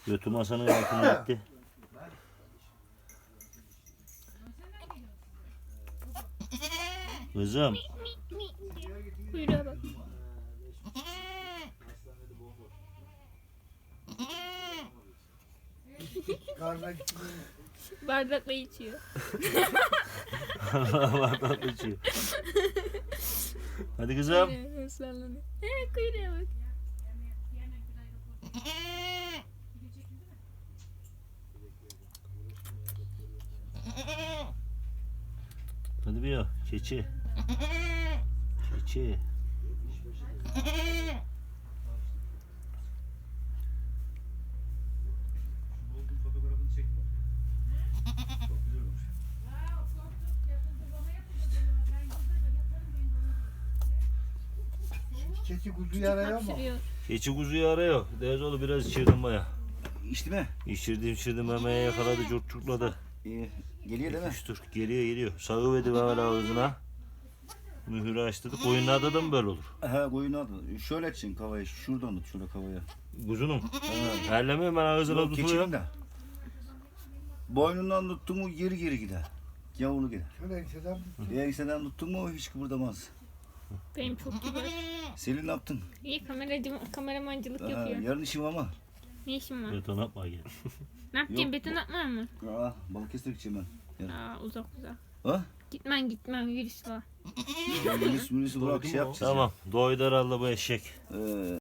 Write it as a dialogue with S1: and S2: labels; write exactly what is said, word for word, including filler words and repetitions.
S1: Götü masanın altına gitti. Kızım.
S2: Kuyruğa bak. Bardakla içiyor.
S1: Bardak içiyor. Hadi kızım.
S2: Islanlanıyor. He kuyruğa bak.
S1: Hadi bir ya. Keçi. Keçi.
S3: Keçi kuzuyu arıyor mu?
S2: Hapşırıyor.
S1: Keçi kuzuyu arıyor. Dezoğlu biraz içirdim baya.
S4: İçti mi?
S1: İçirdim içirdim memeye yakaladı curtçukladı.
S4: İyi. Geliyor değil mi?
S1: Dur geliyor geliyor. Sağı ver ağzına. Mühürü açtırdı. Koyunlarda da mı böyle olur?
S4: He koyunu aldı. Şöyle açın kavayı. Şuradan tut şöyle kavaya.
S1: Kuzunum. Terlemiyorum ben ağzına
S4: Yok keçinin
S1: tutuyorum.
S4: de. Boynundan tuttun mu geri geri gider. Yavru gider.
S3: Şöyle enseden tut.
S4: Enseden tuttun mu hiç kıpırdamaz.
S2: Benim çok kibar.
S4: Selin ne yaptın?
S2: İyi kameracı, kameramancılık
S4: Ha,
S2: yapıyor.
S4: yarın işim ama.
S2: Ne işin var?
S1: Beton atma gel.
S2: Ne yapacaksın?
S4: Yok.
S2: Beton atma mı?
S4: Aa, Balıkesir gideceğim ben. Yarın.
S2: Aa uzak uzak.
S4: Ha?
S2: Gitmen gitmen virüs var.
S4: Virüs virüs bırak şey yapacağız.
S1: Tamam. Doydu herhalde bu eşek.
S4: Ee,